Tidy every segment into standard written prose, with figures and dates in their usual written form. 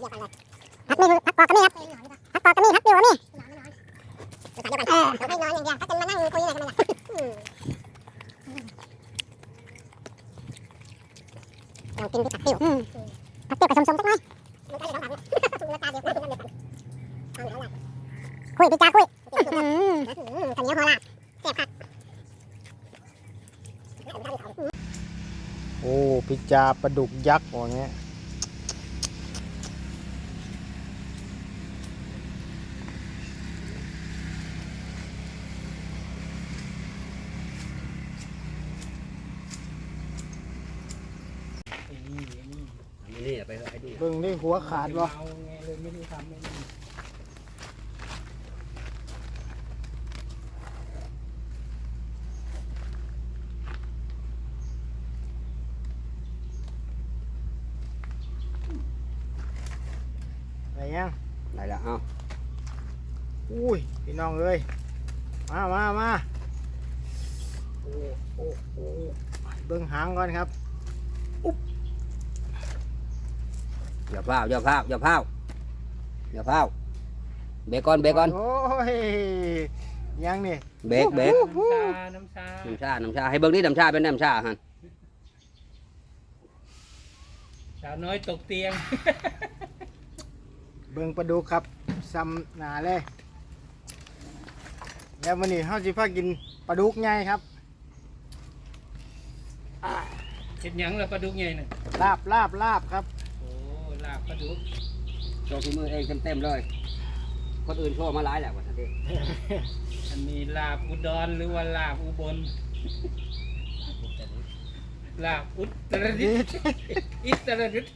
พักมีพักปอกก็มีครับพักปอกก็มีพักปิวก็มีต้องให้นอนอย่างเดียวถ้าจะมานั่งคุยอะไรกันล่ะลองกินที่ผักปิวผักปิวผสมๆสักหน่อยคุยพี่จ้าคุยขันเหนียวหัวลาแซ่บผักโอ้พิจาปลาดุกยักษ์อย่างเงี้ยนี่ไปให้ดูเบิ่งนี่หัวขาดบ่เอาไงเลยไม่ได้ทำไม่ได้อะไรยังได้ละเอาอุ้ยพี่น้องเอ้ยมาโอ้เบิ่งหางก่อนครับอย่าพลาดเบรกก่อนโอ้ยยังนี่เบรกน้ำชาน้ำชาให้เบิ่งนี่น้ำชาเป็นน้ำชาฮะสาวน้อยตกเตียงเบิ่งปลาดุกครับซ้ำหนาเลยแล้ววันนี้เฮาสิพากินปลาดุกใหญ่ครับเห็ดหยังแล้วปลาดุกใหญ่น่ะลาบครับโอ้ลาบปลาดุกโชว์ฝีมือเองเต็มเลยคนอื่นโชว์มาหลายแหละวันนี้อันนี้ลาบอุดรหรือว่าลาบอุบลลาบอุตรดิตถ์อิตรดิตถ์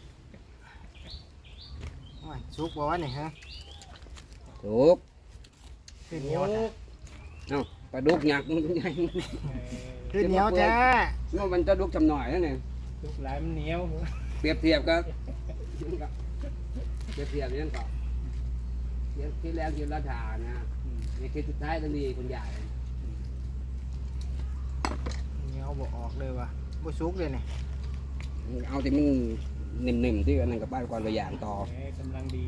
โอ้ยสุกบ่วะนี่ฮะถูกคือเหนียวโอ้เอ้าปลาดุกหยักมันใหญ่คือเหนียวแท้มันจะดุกจำหน่อยนั่นเองดุกหลายมันเหนียวเปรียบเทียบก็นั่นก็ที่แรกยืนราชานะในคลิปสุดท้ายต้องมีคนใหญ่เหนียวบ่ออกเลยว่ะบ่สุกเลยนี่เอาที่มันนิ่มๆที่อันนั้นกับบ้านก่อนตัวอย่างต่อแหมกำลังดี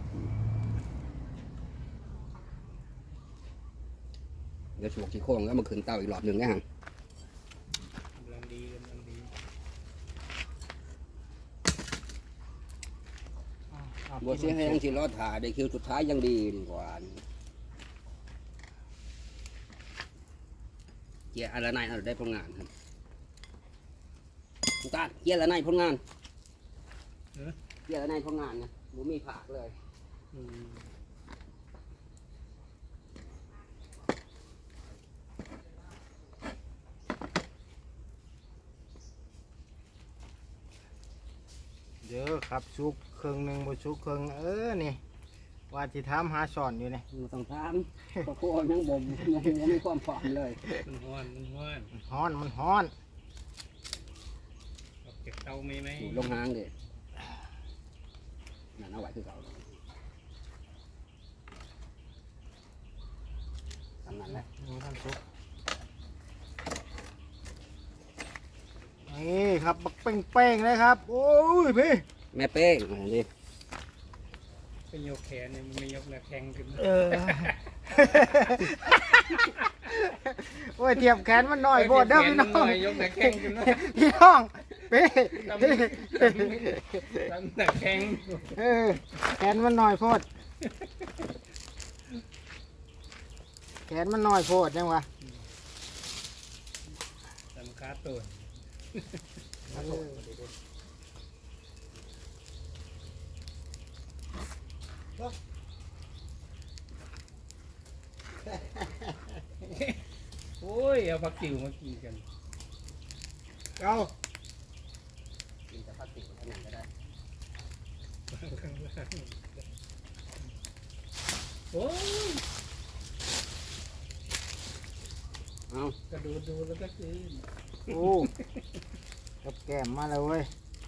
เดี๋ยวฉกที่โค้งแล้วมาขึ้นเตาอีกรอบหนึ่งนะฮะกำลังดีกำลังดีบัวเสียแห้งที่รอดถ่าได้คิวสุดท้ายยังดีกว่าเกียร์อะไรนายได้ผลงานครับทุกท่านเกียร์อะไรนายผลงานเกียร์อะไรนายผลงานนะบัมีผักเลยอืมเด้อครับสุกครึ่งหนึงบ่สุกครึ่งนี่ว่าสิถามหาสอนอยู่นี่มันต้องถามเพราะโค้งยังบ่มยังมีความพร้อมเลยมันฮ้อนมันฮ้อนมันฮ้อนออกจากเตาไหมอยู่ลงหางเด็นั่นเอาไว้คือเก่าทำนั้นแหละนี่ท่านสุกนี่ครับบักเป้งๆเลยครับโอ้ยพี่แม่เป้งอันนี้เป็นยกแขนเนี่ยมันไม่ยกแล้วแข็งขึ้นโอ้ยเทียบแขนมันหน่อยโบดเด้อพี่น้องยกแต่แข็งขึ้นนะพี่น้องเป้ตั้งแต่แข็งแขนมันหน่อยโพดแขนมันหน่อยโพดยังวะสำคัญตัวโอ้ยเอาผักติ๋วมากินกันเอากินแต่พลาสติกอันนั้นก็ได้โอ้ยเอากระดูดูแล้วก็กินโอ้กับแก้มมาเลยเว้ย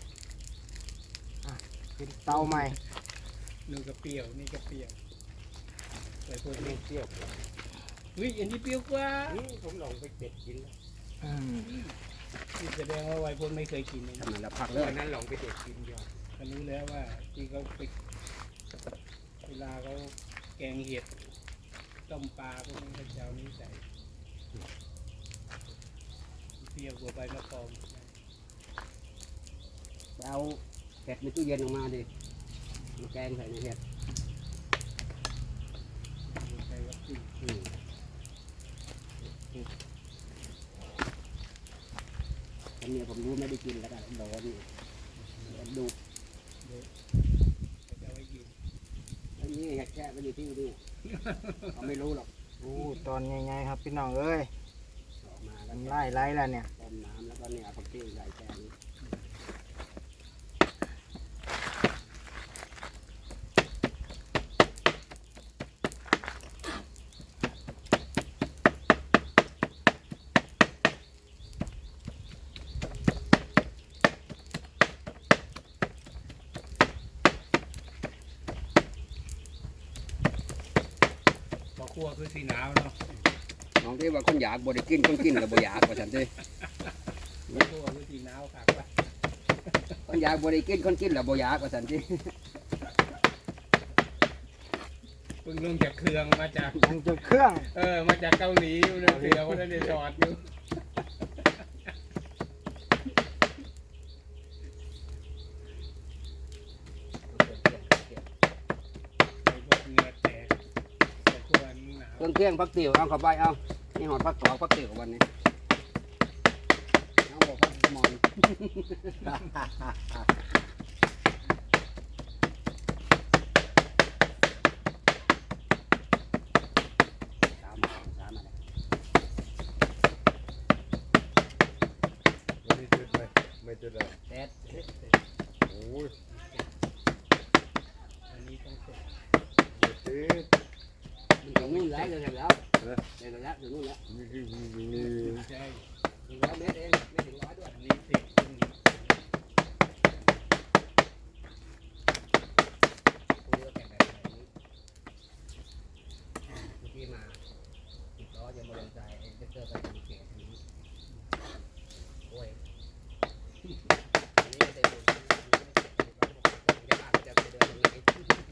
กินเตาใหม่นู่นก็เปรี้ยวนี่ก็เปรี้ยวใส่พวกนี้เปรี้ยวอุ้ยอันนี้เปรี้ยวกว่าผมลองไปเป็ดกินแล้ว นี่แสดงว่าวัยพลไม่เคยกินเลยทำนั้นแล้วพักเลยวันนั้นลองไปเด็ดกินยอดก็รู้แล้วว่าที่เขาไปลาเขาแกงเห็ดต้มปลาพวกนี้เขาจะเอานี้ใส่เปรี้ยวกว่าใบมะกอกเอาเห็ดในตู้เย็นออกมาดิมาแกงใส่ในเห็ดใส่วัตถุอันนี้ผมรู้ไม่ได้กินแล้วกันโดนดูก็จะเอาไว้กินอันนี้เห็ดแค่ไม่ได้ที่นี่เขาไม่รู้หรอกโอ้ตอนใหญ่ๆครับพี่น้องเอ้ยออกมาแล้วน้ำลายไหลแล้วเนี่ยต้มน้ำแล้วก็เนี่ยผักชีใส่แกงพอคั่วคือสีหนาวเนาะน้องที่ว่าคนอยากบ่ได้กินคนกินแล้วบ่อยากว่าฉันสิพอคั่วคือสีหนาวคักว่ะคนอยากบ่ได้กินคนกินแล้วบ่อยากว่าฉันสิเพิ่งลงจากเครื่องมาจากมันจะเครื่องมาจากเกาหลีอยู่เนี่ยเสือว่าได้จอดอยู่ไอ้พวกเหงื่อแตกแต่คั่วนี่หนาวเครื่องเคียงผักติ๋วเอาเข้าไปเอานี่หอดผักกอกผักติ๋ววันนี้เอาบ่ผักหมอนสามอะไรไม่จุดเลยไม่จุดเลยเด็ดโอ้ยอันนี้ต้องสดไม่จุดมันถึงนู่นแล้วเลยแล้วเลยแล้วถึงนู่นแล้วนี่คือใช่ถึง100 เมตรเองไม่ถึง100ด้วยอันนี้เสร็จตรงนี้คุยก็แข่งแบบนี้เมื่อกี้มา10 ล้อจะมาลงใจจะเจอไปดูเกตนี้โอ้ยอันนี้ก็เต็มเลยจะอ่านจะไปเดินยังไงไม่ได้อ่าน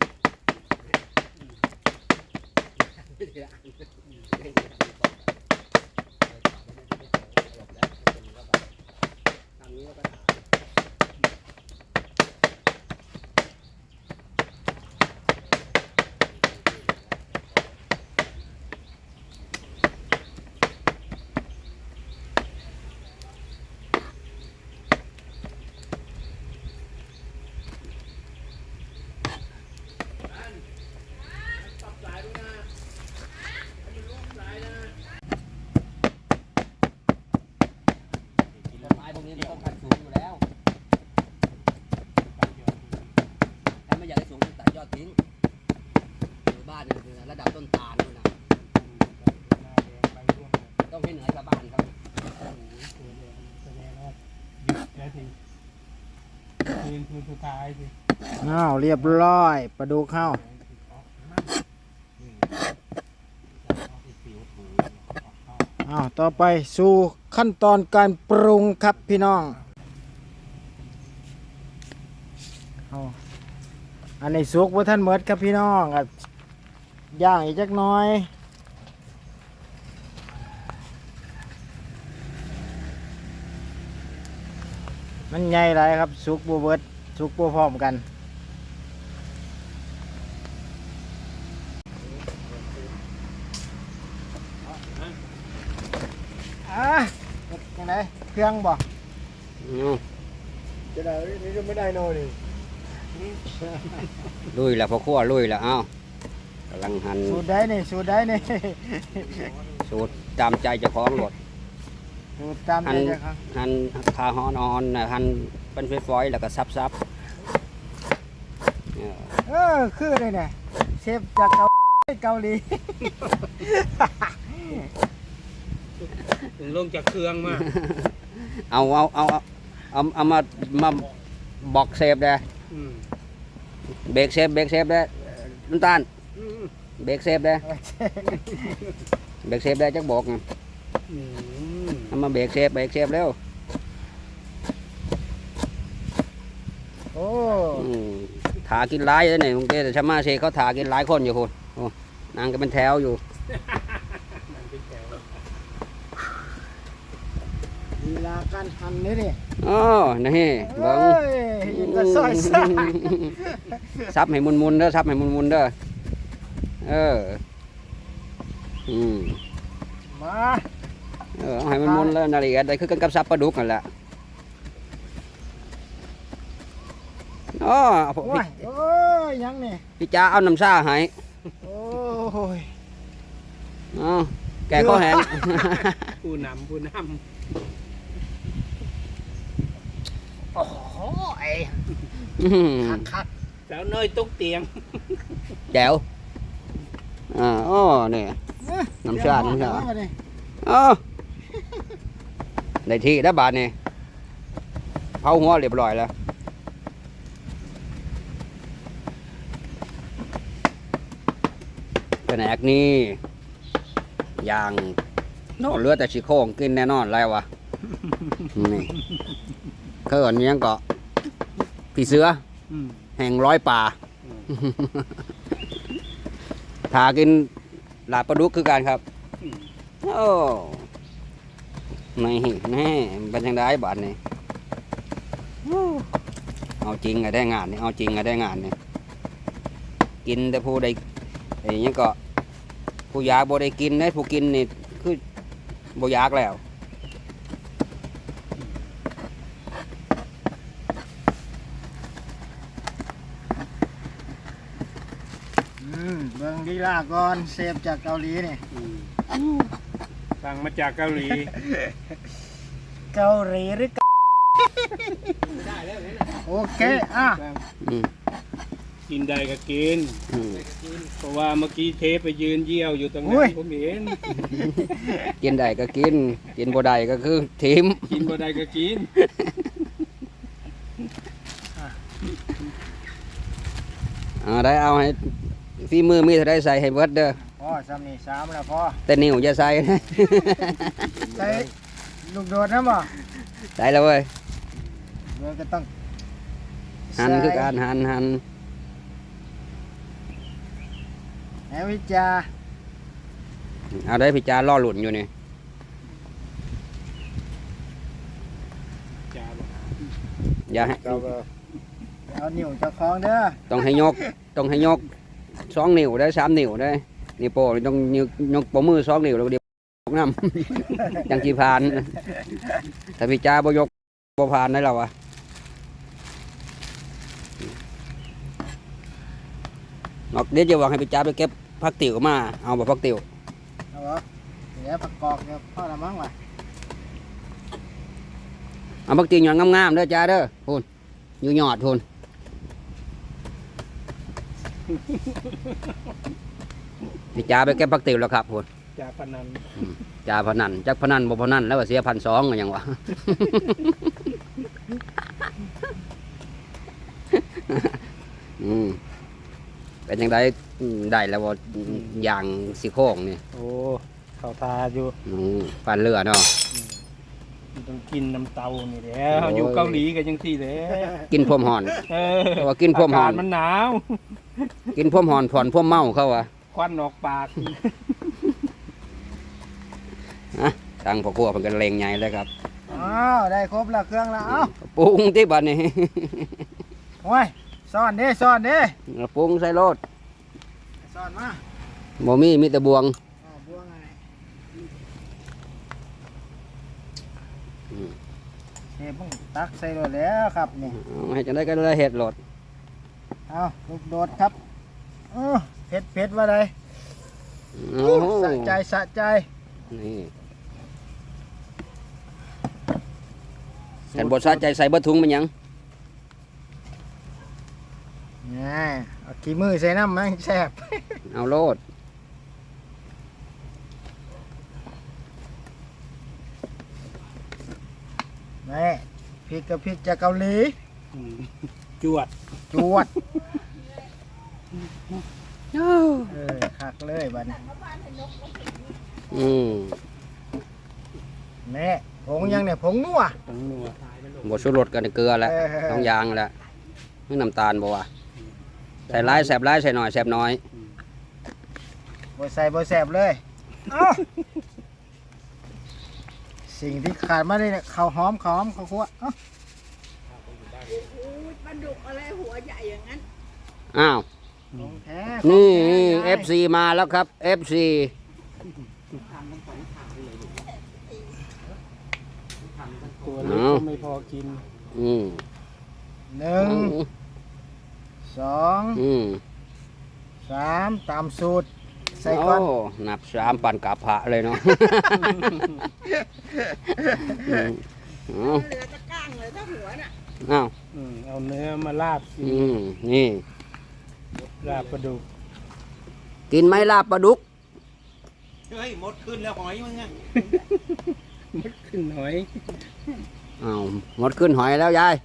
ไม่ได้อ่านบอกเลยต่อไม่ได้ไม่ได้หลบแล้วเป็นก็แบบทางนี้ก็ถาม ต้นไม้พวกนี้มันต้องการสูงอยู่แล้วถ้าไม่อยากให้สูงตัดยอดทิ้งหรือบ้านเนี่ยระดับต้นตาลนู่นนะต้องให้เหนือชาวบ้านครับแสดงว่าหยุดแล้วทีคืนสุดท้ายสิอ้าวเรียบร้อยปลาดุกเข้าอ้าวต่อไปสู่ขั้นตอนการปรุงครับพี่น้องเอาอันนี้สุกว่าท่านเมิดครับพี่น้องครับย่างอีกจักหน้อยมันใหญ่ไรครับสุกบัวเบิดสุกบัวพร้อมกันยังไงเครื่องบ่จะได้นี่ก็ไม่ได้นอนนี่ลุยแล้วพอคั่วลุยแล้วเอ้าวกำลังหั่นสูตรได้นี่สูตรได้นี่สูตรตามใจเจ้าของหมดสูตรตามใจเจ้าครับหั่นคาฮอนอ่อนๆนะหั่นเป็นฝอยๆแล้วก็ซับๆเนี่ยคือเลยเนี่ยเชฟจากเกาหลีถึงลงจากเครื่องมาเอามาบอกเซฟได้อืมเบรกเซฟได้น้ำตาลเบรกเซฟได้เบรกเซฟได้จักบอกไงอืมเอามาเบรกเซฟเร็วโอ้อืมถากินหลายเลยเนี่ยลุงเต้แต่ชาวมาเชเขาถากินหลายคนอยู่คุณโอ้นางก็เป็นแถวอยู่มันเป็นแถวลีลาการหั่นนี่ดิอ๋อนี่เบิ้งเอ้ยยังก็ซอยซ่าซับให้มุนๆเด้อซับให้มุนๆเด้อเออมาเอาให้มันมุนแล้วนาฬิกาได้คือกันกับซับปลาดุกนั่นแหละอ๋อโอ้ยโอ้ยยังนี่พี่จ้าเอาน้ำซ่าให้โอ้ยอ๋อแกข้อแหงผู้นำโอ้โหไอ้คักสาวน้อยตกเตียงแจ๋วอ๋อนี่ๆน้ำชาเดี๋ยวเอดิอ๋อได้ที่แล้วบาทนี่เผาหัวเรียบร้อยแล้วแผนกนี้อย่างโน่เหลือแต่ชิโครงกินแน่นอนแล้ววะนี่เขินยังเกาะพี่เสืออืมแห่งร้อยป่าถากินลาบปลาดุกคือกันครับ โอ้นี่นี่เป็นยังไงบ้านนี่เอาจริงไงได้งานนี่เอาจริงไงได้งานนี่กินแต่ผู้ใดไอ้นี่ก็ผู้อยากบ่ได้กินได้ผู้กินนี่คือบ่อยากแล้วเบิ่งลีลาก่อนเซฟจากเกาหลีนี่สั่งมาจากเกาหลีเกาหลีหรือโอเคอ่ะอืมกินได้ก็กินอืมเพราะว่าเมื่อกี้เทปไปยืนเยี่ยวอยู่ตรงนั้นผมเห็นกินได้ก็กิน กินบ่ได้ก็คือทิมกินบ่ได้ก็กินได้เอาให้ฝีมือมีเท่าไรใส่ให้เบิดเด้อพ่อซ้ำนี่3แล้วพ่อแต่นิ้วอย่าใส่นะใส่ลูกโดดนะบ่ใส่แล้วเว้ยเดี๋ยวก็ต้องหันคือการหันแหววิจาเอาได้พี่จาล่อหลุนอยู่นี่จ้าบอกอย่าให้ครับเอานิ้วเจ้าของเด้อต้องให้ยก2 นิ้วได้3 นิ้วได้นี่โป้นี่ต้องยกปมือ2 นิ้วแล้วเดี๋ยวน้ำ จังจีพานแต่พี่จาบ่ยกบ่พานได้แล้ววะนอกเดี๋ยวจะวางให้พี่จาไปเก็บผักติ๋วมาเอาบ่ผักติ๋วเอาบ่เดี๋ยวประกอบเดี๋ยวพ่อละมั้งว่ะเอาผักติ๋วหยอดงามๆเด้อจ้าเด้อพูนอยู่หยอดพูนพี่จาไปเก็บผักติ๋วแล้วครับพูนจ่าพนันจ่าพนันจักพนันบ่พนันแล้วว่าเสีย1,200กันยังวะ เป็นยังไงได้แล้วว่าอย่างสิโค้งนี่โอ้เขาทาอยู่ปานเรือเนาะต้องกินน้ำเตานี่แหล้วอยู่เกาหลีกันยังที่แหล้วกินพรมหอน เพราะว่ากินพรมหอนากาศมันหนาวกินพรมหอนผ่อนพรมเมาเขาวะควันออกปากตั้งพ่อครัวเป็นกันเลงใหญ่เลยครับอ้าวได้ครบแล้วเครื่องแล้วเอ้าปรุงที่บัดนี้โอ้ยซ่อนเด้ซ่อนเด้ปรุงใส่รสซ่อนมาบ่มีแต่บวงอ๋อบัวไงเชฟมึงตักใส่รถแล้วครับนี่เอาให้จังได้ก็ได้เห็ดรสเอาลูกโดดครับเผ็ดว่าไรโอ้โหสะใจสะใจนี่กันบดสะใจใส่เบะถุงมันหยังนี่เอาขี้มือใส่น้ำมันแซ่บเอาโลดนี่พริกกับพริกจากเกาหลีจวดจวดคักเลยบัดนี้ แม่ผงยังเนี่ยผงนัวต้องนัวบดชูรสกันเกลือแล้วเออต้องยางแล้วนี่น้ำตาลบ่วะใส่ร้ายแสบร้ายใส่หน่อยแสบน้อยบ่ใส่บ่แสบเลยเอ้าสิ่งที่ขาดไม่ได้เนี่ยข้าวหอมข้าวคั่วเอ้าปลาดุกอะไรหัวใหญ่อย่างนั้นอ้าวของแท้นี่ของแท้ FC มาแล้วครับ FC ตัวเล็กก็ไม่พอกินอืมหนึ่งสองอืมสามตามสูตรใส่โอ้ก่อนนับ3ปั่นกาพระเลยเนาะอืมอ๋อเหลือตะก้างเลยถ้าหัวน่ะอ้าวเอาเนื้อมาลาบกินอืมนี่ลาบปลาดุกกินไหมลาบปลาดุกมดขึ้นหน่อยอ้าวหมดขึ้นหอยแล้วยาย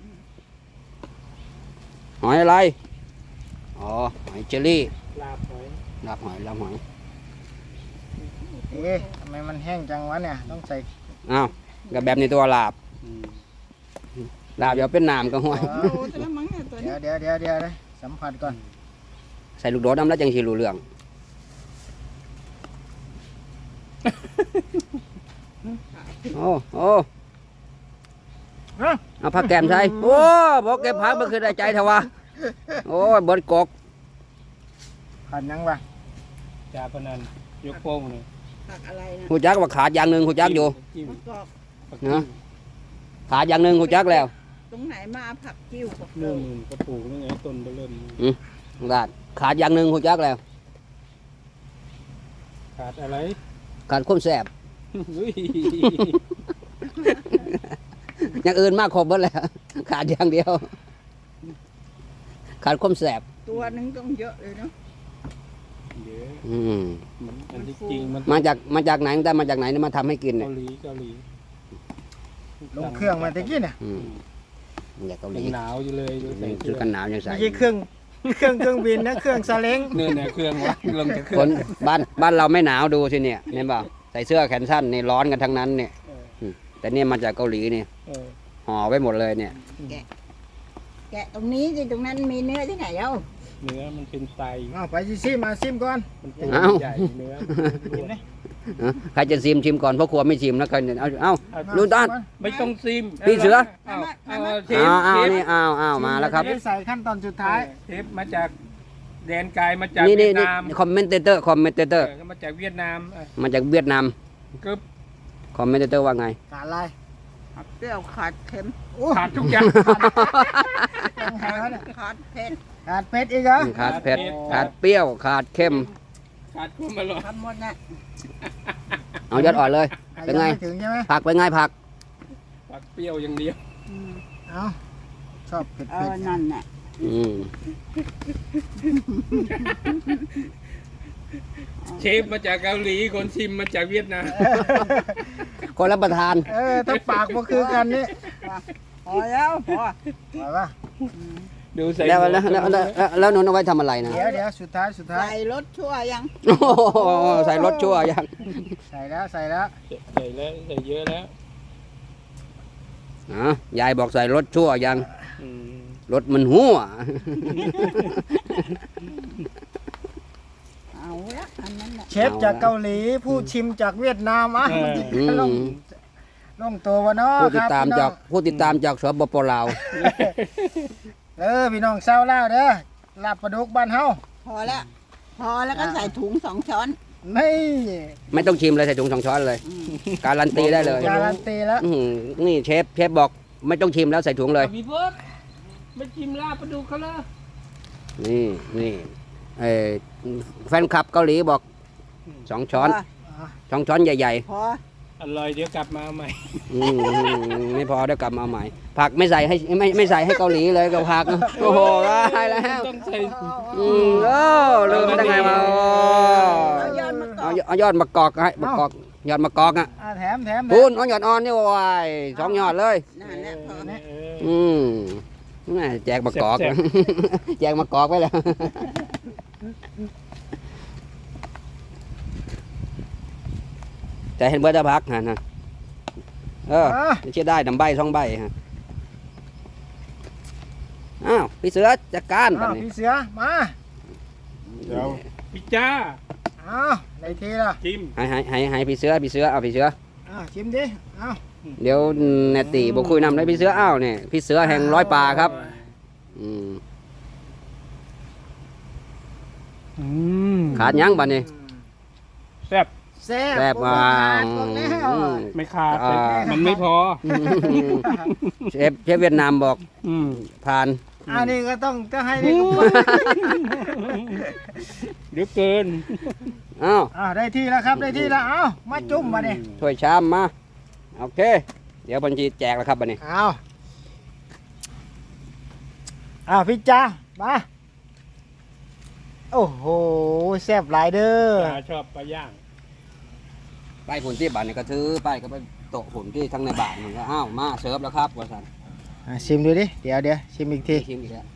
หอยอะไรอ๋อหอยเจลลี่ลาบหอยลาบหอยลาบหอยเอ๊ะทำไมมันแห้งจังวะเนี่ยต้องใส่อ้าวกับแบบในตัวลาบอืมลาบเดี๋ยวเป็นน้ำก็ห้วยอ๋อโอ้แต่ละมั้งเนี่ยตัวนี้เดี๋ยวนะสัมผัสก่อนใส่ลูกโดดน้ำแล้วจังสิรู้เรื่องโอ้โอ้เอาผักแกมใส่โอ้บอกเก็บผักมันคือได้ใจเถอะวะโอ้ยเบิดกกผัดยังวะจ่าพนันยกโป้งเลยผักอะไรนะหูจักว่าขาดอย่างหนึ่งหูจักอยู่จิ้มมะกอกผักเนอะ ขาดอย่างหนึ่งหูจักแล้วตรงไหนมาผักกิ้วผักเริ่เริ่มมกระปูกนี่ไงต้นไปเริ่มขาดขาดอย่างหนึ่งหูจักแล้วขาดอะไรขาดความแสบอุ้ยอย่างอื่นมากครบหมดแล้วขาดอย่างเดียว ขาดความแสบตัวหนึงต้องเยอะเลยเนาะเดี๋ยวอืมมันอันที่จริงมันมาจากไหนได้มาจากไหนเนี่ยมาทำให้กินเนี่ยเกาหลีลงเครื่องมาตะกี้เนี่ยอืมมาจากเกาหยัลีงหนาวอยู่เลยดูใส่เคซื้รื่อองกันหนาวยังใส่ไม่ใช่เครื่องบินนะเครื่องซาเล้งเนี่ยเครื่องวะลงจากเครื่คองนบ้านเราไม่หนาวดูสิเนี่ยเห็นเปล่าใส่เสื้อแขนสั้นนี่ร้อนกันทั้งนั้นเนี่ยเออแต่เนี่ยมาจากเกาหลีเนี่ยเออห่อไว้หมดเลยเนี่ยแกะตรงนี้สิตรงนั้นมีเนื้อที่ไหนเอ้าเนื้อมันเป็นไตเอาไปซิมาซิมก่อนมันตัวเอ้าใหญ่เนื้อกินเลยใครจะชิมก่อนเพราะครัวไม่ชิมแล้วกันเอาลุงต้นไม่ต้องซิมพี่เสือเอาเชฟเอาเชฟนี่เอามาแล้วครับจะได้ใส่ขั้นตอนสุดท้ายเชฟมาจากแดนไกลมาจากนี่เวีนี่ยดนี่นามคอมเมนเตอร์มาจากเวียดนามมาจากเวียดนามกึบคอมเมนเตอร์ว่าไงขาดอะไรผักเปรี้ยวขาดเค็มโอ้ขาดทุกอย่างยังไงวะเนี่ยขาดเผ็ดขาดเผ็ดอีกเหรอขาดเผ็ดขาดเปรี้ยวขาดเค็มขาดความอร่อยทำหมดน่ะเอายอดอ่อนเลย เป็นไงยังม่ถึงใช่ไหมผักเป็นไงผักผักเปรี้ยวอย่างเดียวอืมเอาชอบเผ็ดนั่นน่ะอืมเชฟมาจากเกาหลีคนชิมมาจากเวียดนามคนรับประทานถ้าปากบ่คือกันนี่พอแล้วพอไหวปะดูใส่แล้วหนูเอาไว้ทำอะไรนะเดี๋ยวสุดท้ายใส่รสชั่วยังโอ้โหใส่รสชั่วยังใส่แล้วใส่แล้วใส่เยอะแล้วยายบอกใส่รสชั่วยังอืมรสมันหัวเอาละอันนั้นน่ะเชฟจากเกาหลีผู้ชิมจากเวียดนามอ่ะอืมลงตัววะเนาะผู้คติดรับตามพี่น้จาอก งผู้ติดตามจากสปปลาวพี่น้องเศร้าแล้วเด้อลาบปลาดุกบ้านเฮาพอแล้วพอแล้วก็ใส่ถุง2 ช้อนนี่ไม่ต้องชิมเลยใส่ถุง2 ช้อนเลย การันตีได้เลยการันตีแล้วอื้อหือนี่เชฟบอกไม่ต้องชิมแล้วใส่ถุงเลยพี่เบิร์ดไม่ชิมลาบปลาดุกเขาเลยนี่เอ่อแฟนคลับเกาหลีบอก2 ช้อน 2 ช้อนใหญ่พออร่อยเดี๋ยวกลับมาเอาใหม่ๆไม่พอเดี๋ยวกลับมาเอาใหม่ ผักไม่ใส่ให้ไม่ใส่ให้เกาหลีเลยกับผัก โอ้โหได้แล้วต้องใส่โอ้ลืมได้ไงมาเอายอดมะกอกเอายอดมะกอกให้มะกอกยอดมะกอกอ่ะแถมพูนเอายอดอ่อนนี่วาย2 ยอดเลยนั่นแหละพออืมแม่แจกมะกอก แจกมะกอกไปแล้ว แต่เห็นเบิร์ดพักนะเออเชื่อได้ดำใบ2 ใบฮะอ้าวพี่เสือจัดการบัอ้าดวนี้พี่เสือมาเดี๋ยวพิจ้าอ้าวในทีละชิมให้พี่เสือเอาพี่เสืออ้าวชิมดิอ้าวเดี๋ยวเนตตีบอกคุยนำได้พี่เสืออ้าวเนี่ยพี่เสือแห่งร้อยป่าครับอืมขาดยังบัดนี้แซ่บแซ่บแซ่บมามาบอกแล้วไม่ขาดอ่ามันไม่พอเชฟเวียดนามบอกอืมผ่านอันนี้ก็ต้องให้นี่ก็เดี๋ยวเกินอ้าวอ้าวได้ที่แล้วครับได้ที่แล้วอ้าวมาจุ่มมาดิถ้วยชามมาโอเค เดี๋ยวบัญชีแจกแล้วครับบัดนี้อ้าวอ้าวพี่จ้ามาโอ้โหแซ่บหลายเด้อปลาชอบปลาย่างไปผลที่บ้านนี่ก็ถือไปก็ไปโต๊ะผลที่ทั้งในบ้านมันก็อ้าวมาเสิร์ฟแล้วครับว่าสันชิมดูดิเดี๋ยวชิมอีกทีชิมอีกแล้ว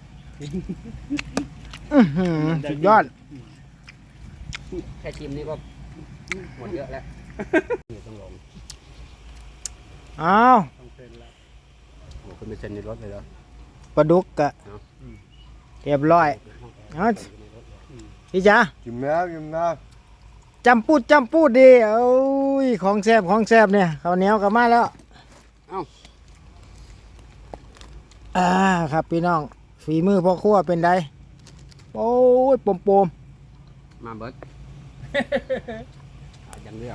อื้อหือสุดยอดแค่ชิมนี่ก็หมดเยอะแล้วนี่ต้องลงอ้าวต้องเซ็นแล้วโอ้คุณไปเซ็นในรถเลยเหรอปลาดุกกะเอาเรียบร้อยเอาพี่จ้ากินแล้วกินแล้วจำพูดดีโอ้ยของแซ่บเนี่ยข้าวเหนียวกลับมาแล้วครับพี่น้องฝีมือพ่อครัวเป็นไดโอ้ยปมมาเบิร์ดยังเลี้ยว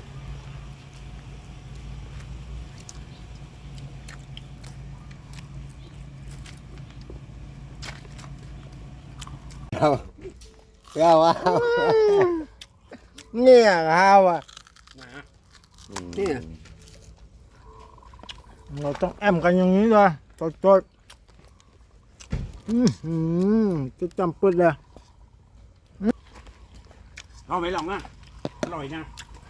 เดี๋ยวว่าเนี่ยข้าวอ่ะนี่เราต้องแอมกันอย่างนี้เลยสดจะจำปืดเลยเอาไหมลองอ่ะอร่อยนะ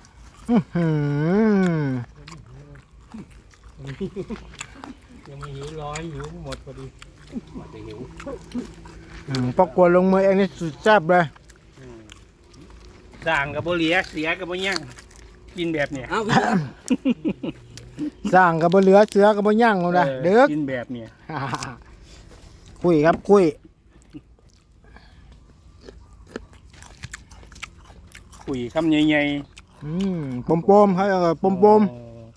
ยังไม่หิวร้อยหิวหมดพอดีหมดจะหิวปอกกวนลงมือเองนี่สุดแซ่บเลยด่างกับโบเหลียเสียกับโบย่างกินแบบเนี้ยอ้าวสร้างกับบเหลือเสือกับบย่างเลยนะเด็กกินแบบเนี้ยคุยครับคุยคุยคำใหญ่ปมๆเขาเรียกว่าปมปม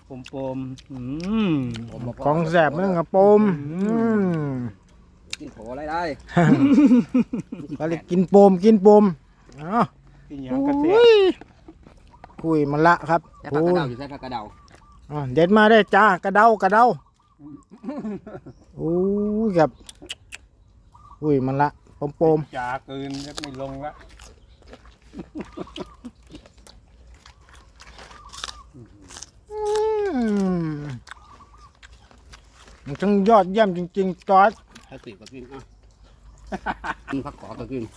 ๆของแซ่บมันกับปมกินโผอะไรได้ก็เลยกินปมอ้าวกินอย่างกระเทียอุ้ยคุยมันละครับใช้ผักกระเดาอยู่ใช้ผักกระเดาเด็ดมาได้จ้ากระเดาโอ้ยครับคุยมันละปมจ่าเกินก็ไม่ลงละมันช่างยอดเยี่ยมจริงๆจอร์ดถ้าสิก็กินอ่ะกินผักกอดก็กิน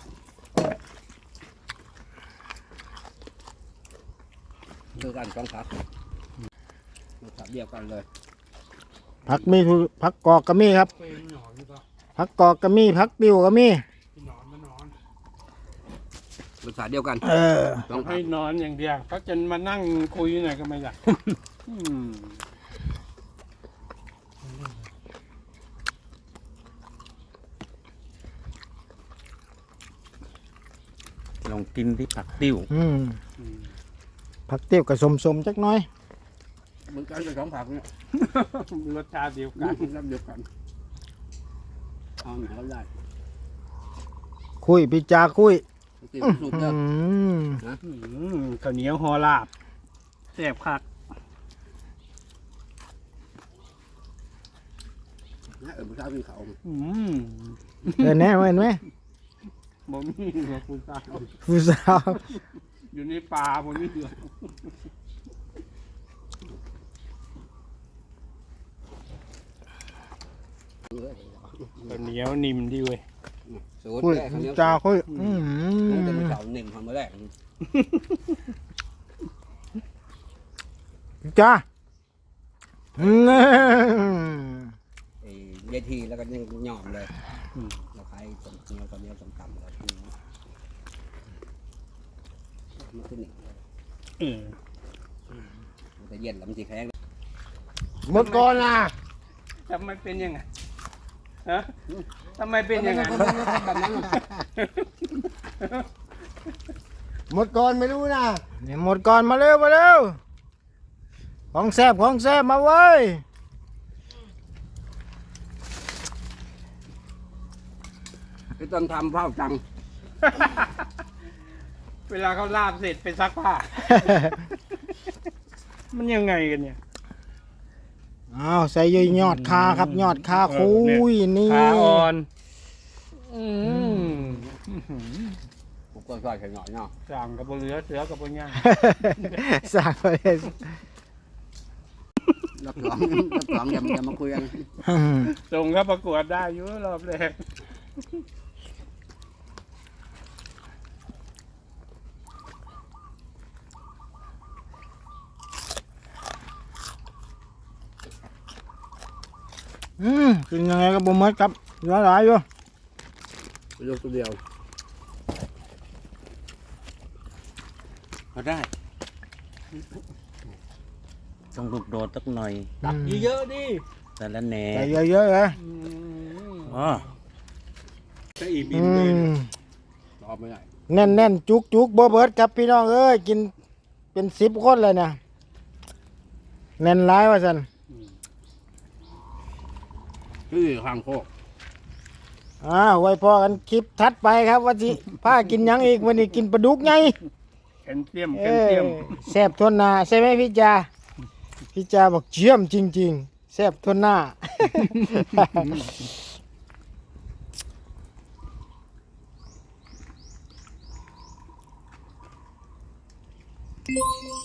คือกันสองผักผักเดียวกันเลยผักมีผักกอกก็มีครับผักกอกก็มีผักติวก็มีรสชาติเดียวกันต้สออง งผัให้กนอนอย่างเดียวเขาจะมานั่งคุยหน่อยก็ไม่ได้ลองกินที่ผักติ้วผักติวกับสมจักหน้อยเหมือนกันเป็นสองผักเนี่ยรสชาติเดียวกักัน นรับเดียวกันเอาหนาก็ได้คุยพี่จาคุยกินสุกเด้อข้าวเหนียวห่อลาบแซ่บคักนะผู้ชายกินเขาเห็นไหมเห็นไหมบ่มีหัวคุณตาผู้สาวอยู่ในป่าบ่มีเหลือ ข้าวเหนียวนิ่มดีเว้ยสูตรคุยแรกพี่จาคุยมันจะมีเขาหนึ่งทำมาแรกพี่จาเวทีแล้วก็ยังหย่อมเลยเราขายตรงเนี้ยตอนนี้ต่ำๆแล้วมันขึ้นหนึ่งมันจะเย็นแล้วมันจะแข็งหมดก่อนนะจะมันเป็นยังไงฮะททำไมเป็นอย่างนั้นแบบนั้นหมดก่อนไม่รู้นะนี่หมดก่อนมาเร็วของแซ่บมาเว้ยคือตอนทำเผาจังเวลาเขาลาบเสร็จไปซักผ้า มันยังไงกันเนี่ยอ้าวใส่ยอดคาครับยอดคาคุยนี่ขาอ่อนผมก็ซอยแค่หน่อยเนาะสั่งกับบนเรือเสือกับบนย่างสั่งไปเลยรับรองอย่ามาคุยกันส่งเข้าประกวดได้อยู่รอบแรกกินยังไงก็บ่หมดครับเหลือหลายอยู่ยกตัวเดียวเอาได้ต้องลูกโดดสักหน่อยตักเยอะๆดิแต่ละแหน่ใส่เยอะๆเลยอ๋อจะอีบิอืนเลยมรอบไม่ได้แน่นจุกบ่เบิดครับพี่น้องเอ้ยกินเป็น10 คนเลยเนี่ยแน่นหลายว่าซั่นคือข้างโคกไว้พอกันคลิปถัดไปครับว่าสิพากินหยังอีกวันนี้กินปลาดุกไงแคนเซียมแคนเซียมแซ่บทนหน้าใช่ไหมพี่จาพี่จาบอกเยี่ยมจริงๆแซ่บทนหน้า Thank you.